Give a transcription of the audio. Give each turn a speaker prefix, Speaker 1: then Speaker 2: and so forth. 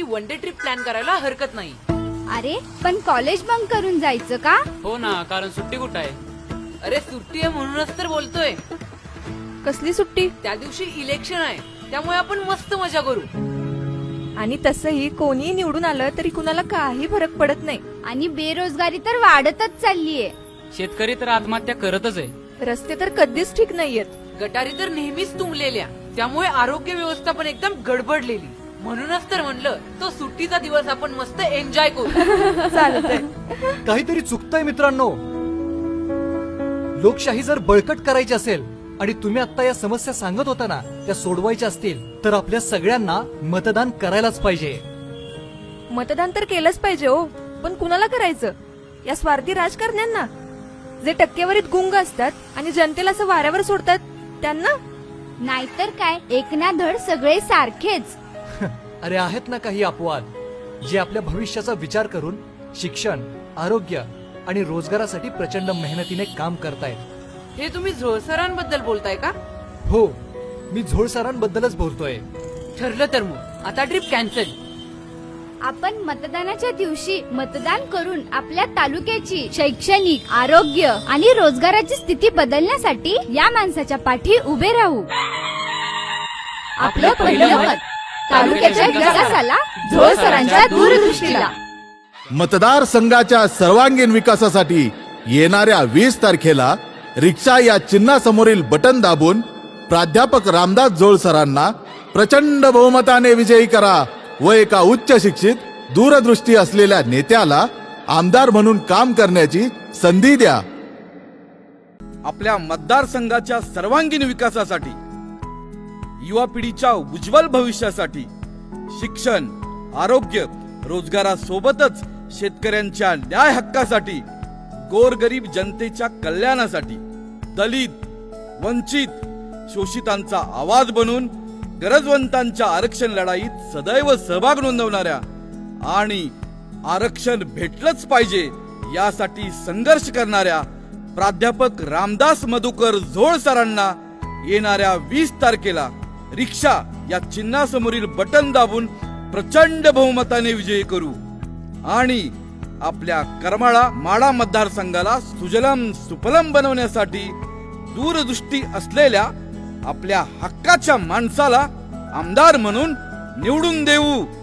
Speaker 1: One day trip plan करायला हरकत नाही.
Speaker 2: अरे पण कॉलेज बंक करून जायचं का?
Speaker 3: हो ना, कारण सुट्टी कुठं आहे?
Speaker 1: अरे सुट्टी आहे म्हणूनच तर बोलतोय.
Speaker 4: कसली सुट्टी?
Speaker 1: त्या दिवशी इलेक्शन आहे, त्यामुळे आपण मस्त मजा करू.
Speaker 4: आणि तसंही कोणी निवडून आलं तरी कुणाला काही फरक पडत नाही.
Speaker 2: आणि बेरोजगारी तर वाढतच चाललीये.
Speaker 3: शेतकरी तर आत्महत्या करतच आहे.
Speaker 4: रस्ते तर कधीच ठीक नाहीयेत.
Speaker 1: गटारी तर नेहमीच तुंबलेल्या, त्यामुळे आरोग्य व्यवस्था पण एकदम गडबडलेली. म्हणूनच तर म्हणलं तो सुट्टीचा दिवस आपण मस्त एन्जॉय करू.
Speaker 4: चालतंय.
Speaker 5: काहीतरी चुकतंय मित्रांनो. लोकशाही जर बळकट करायची असेल आणि तुम्ही आता या समस्या सांगत होता ना, त्या सोडवायच्या असतील तर आपल्या सगळ्यांना मतदान करायलाच पाहिजे.
Speaker 4: मतदान तर केलंच पाहिजे हो, पण कुणाला करायचं? या स्वार्थी राजकारण्यांना, जे टक्केवारीत गुंग असतात आणि जनतेला असं वाऱ्यावर सोडतात त्यांना.
Speaker 2: नाहीतर काय, एक ना धड सगळे सारखेच.
Speaker 5: अरे आहेत ना काही अपवाद जे आपल्या भविष्याचा विचार करून शिक्षण, आरोग्य आणि रोजगारासाठी प्रचंड मेहनतीने काम करतायत.
Speaker 1: हे तुम्ही झोळसरांबद्दल बोलताय का?
Speaker 5: हो, मी झोळसरांबद्दलच बोलतोय.
Speaker 1: ठरलं तर मग आता ट्रिप कॅन्सल.
Speaker 2: आपण मतदानाच्या दिवशी मतदान करून आपल्या तालुक्याची शैक्षणिक, आरोग्य आणि रोजगाराची स्थिती बदलण्यासाठी या माणसाच्या पाठी उभे राहू. आपलं पहिलं मत तालुक्याच्या विकासाला, झोळ सरांच्या दूरदृष्टीला.
Speaker 6: मतदारसंघाच्या सर्वांगीण विकासासाठी येणाऱ्या 20 तारखेला रिक्षा या चिन्हासमोरील बटन दाबून प्राध्यापक रामदास झोळ सरांना प्रचंड बहुमताने विजयी करा व एका उच्च शिक्षित, दूरदृष्टी असलेल्या नेत्याला आमदार म्हणून काम करण्याची संधी द्या.
Speaker 7: आपल्या मतदारसंघाच्या सर्वांगीण विकासासाठी, युवा पिढीच्या उज्ज्वल भविष्यासाठी, शिक्षण, आरोग्य, रोजगारासोबतच शेतकऱ्यांच्या न्याय हक्कासाठी, गोरगरीब जनतेच्या कल्याणासाठी, दलित, वंचित, शोषितांचा आवाज बनून गरजवंतांच्या आरक्षण लढाईत सदैव सहभाग नोंदवणाऱ्या आणि आरक्षण भेटलंच पाहिजे यासाठी संघर्ष करणाऱ्या प्राध्यापक रामदास मधुकर झोळ सरांना येणाऱ्या 20 तारखेला रिक्षा या चिन्हासमोरील बटन दाबून प्रचंड बहुमताने विजयी करू आणि आपल्या करमाळा माडा मतदारसंघाला सुजलम सुफलम बनवण्यासाठी दूरदृष्टी असलेल्या आपल्या हक्काच्या माणसाला आमदार म्हणून निवडून देऊ.